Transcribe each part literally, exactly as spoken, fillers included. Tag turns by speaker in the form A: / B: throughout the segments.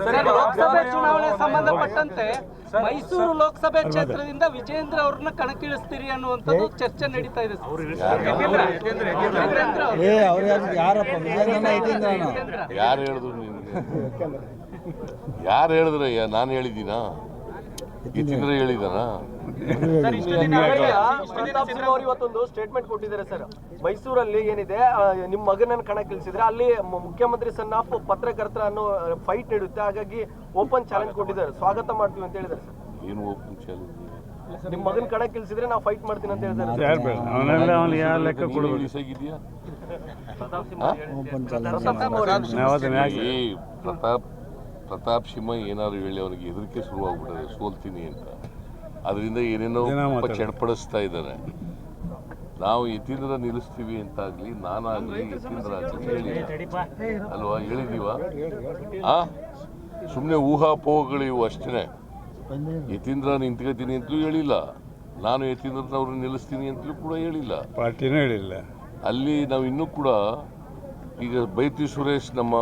A: ಲೋಕಸಭೆ ಚುನಾವಣೆ ಸಂಬಂಧಪಟ್ಟಂತೆ ಮೈಸೂರು ಲೋಕಸಭೆ ಕ್ಷೇತ್ರದಿಂದ ವಿಜೇಂದ್ರ ಅವ್ರನ್ನ ಕಣಕ್ಕಿಳಿಸ್ತೀರಿ ಅನ್ನುವಂಥದ್ದು ಚರ್ಚೆ ನಡೀತಾ ಇದೆ.
B: ಯಾರು ಹೇಳಿದ್ರು ನಿನ್ಗೆ? ಯಾರು ಹೇಳಿದ್ರಯ್ಯ? ನಾನು ಹೇಳಿದ್ದೀನಾ? ಯತೀಂದ್ರ ಹೇಳಿದಾನ?
C: ಇವತ್ತೊಂದು ಸ್ಟೇಟ್ಮೆಂಟ್ ಕೊಟ್ಟಿದ್ದಾರೆ ಸರ್. ಮೈಸೂರಲ್ಲಿ ಏನಿದೆ ನಿಮ್ಮ ಮಗನನ್ನು ಕಣಕ್ಕಿಳಿಸಿದ್ರೆ ಅಲ್ಲಿ ಮುಖ್ಯಮಂತ್ರಿ ಸನ್ ಆಫ್ ಪತ್ರಕರ್ತರ ಅನ್ನೋ ಫೈಟ್ ನೀಡುತ್ತೆ, ಹಾಗಾಗಿ ಓಪನ್ ಚಾಲೆಂಜ್ ಕೊಟ್ಟಿದ್ದಾರೆ, ಸ್ವಾಗತ ಮಾಡ್ತೀವಿ ಅಂತ ಹೇಳಿದ್ದಾರೆ ಸರ್.
B: ಏನು ಓಪನ್ ಚಾಲೆಂಜ್?
C: ನಿಮ್ಮ ಮಗನ ಕಣಕ್ಕಿಳಿಸಿದ್ರೆ ನಾವು ಫೈಟ್ ಮಾಡ್ತೀನಿ ಅಂತ ಹೇಳಿದ್ದಾರೆ. ಪ್ರತಾಪ್ ಪ್ರತಾಪ್ ಸಿಂಹ ಏನಾದ್ರು ಹೇಳಿ ಅವನಿಗೆ ಹೆದರಿಕೆ ಶುರುವಾಗ್ಬಿಟ್ಟಿದೆ, ಸೋಲ್ತೀನಿ ಅಂತ. ಅದರಿಂದ ಏನೇನೋ ಚಡ್ಪಡಿಸ್ತಾ ಇದ್ದಾರೆ. ನಾವು ಯತೀಂದ್ರ ನಿಲ್ಲಿಸ್ತೀವಿ ಅಂತಾಗ್ಲಿ, ನಾನಾಗ್ಲಿ ಯತೀಂದ್ರ ಆಗ್ಲಿ ಹೇಳಿ ಅಲ್ವಾ? ಹೇಳಿದೀವ? ಆ ಸುಮ್ಮನೆ ಊಹಾಪೋಹಗಳಿವು ಅಷ್ಟೇ. ಯತೀಂದ್ರ ನಿಂತ್ಕೋತೀನಿ ಅಂತಲೂ ಹೇಳಿಲ್ಲ, ನಾನು ಯತೀಂದ್ರನವ್ರನ್ನ ನಿಲ್ಲಿಸ್ತೀನಿ ಅಂತಲೂ ಕೂಡ ಹೇಳಿಲ್ಲ,
D: ಪಾರ್ಟಿನೂ ಹೇಳಿಲ್ಲ.
B: ಅಲ್ಲಿ ನಾವು ಇನ್ನೂ ಕೂಡ ಈಗ ಬೈತಿ ಸುರೇಶ್ ನಮ್ಮ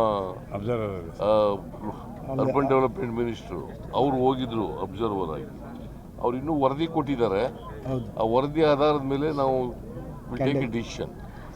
B: ಅರ್ಬನ್ ಡೆವಲಪ್ಮೆಂಟ್ ಮಿನಿಸ್ಟ್ರು ಅವರು ಹೋಗಿದ್ರು ಅಬ್ಸರ್ವರ್ ಆಗಿ. ಅವ್ರು ಇನ್ನೂ ವರದಿ ಕೊಟ್ಟಿದ್ದಾರೆ. ಆ ವರದಿ ಆಧಾರದ ಮೇಲೆ ನಾವು ಟೇಕ್ ಎ ಡಿಸಿಷನ್.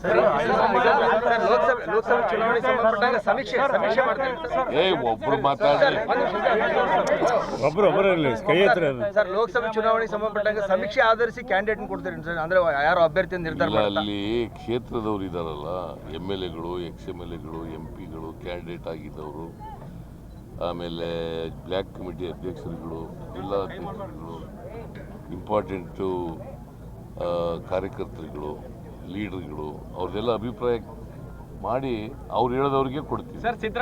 B: ಏ ಒಬ್ರು ಮಾತಾಡಿ
D: ಒಬ್ರು ಒಬ್ಬರಲ್ಲಿ ಕೈ ಹತ್ರ
A: ಸರ್, ಲೋಕಸಭೆ ಚುನಾವಣೆ ಸಂಬಂಧಪಟ್ಟಾಗ ಸಮೀಕ್ಷೆ ಆಧರಿಸಿ ಕ್ಯಾಂಡಿಡೇಟ್ ಕೊಡ್ತಾರೆ ಸರ್, ಅಂದ್ರೆ ಯಾರು ಅಭ್ಯರ್ಥಿ ನಿರ್ಧಾರ?
B: ಅಲ್ಲಿ ಕ್ಷೇತ್ರದವ್ರು ಇದಾರಲ್ಲ, ಎಮ್ ಎಲ್ ಎಗಳು, ಎಕ್ಸ್ ಎಮ್ ಎಲ್ ಎಗಳು, ಎಂ ಪಿಗಳು, ಕ್ಯಾಂಡಿಡೇಟ್ ಆಗಿದ್ದವರು, ಆಮೇಲೆ ಬ್ಲ್ಯಾಕ್ ಕಮಿಟಿ ಅಧ್ಯಕ್ಷರುಗಳು, ಜಿಲ್ಲಾ ಅಧ್ಯಕ್ಷರುಗಳು, ಇಂಪಾರ್ಟೆಂಟು ಕಾರ್ಯಕರ್ತರುಗಳು, ಲೀಡರ್ಗಳು, ಅವ್ರದ್ದೆಲ್ಲ ಅಭಿಪ್ರಾಯ ಮಾಡಿ ಅವ್ರು ಹೇಳೋದವ್ರಿಗೆ ಕೊಡ್ತೀವಿ.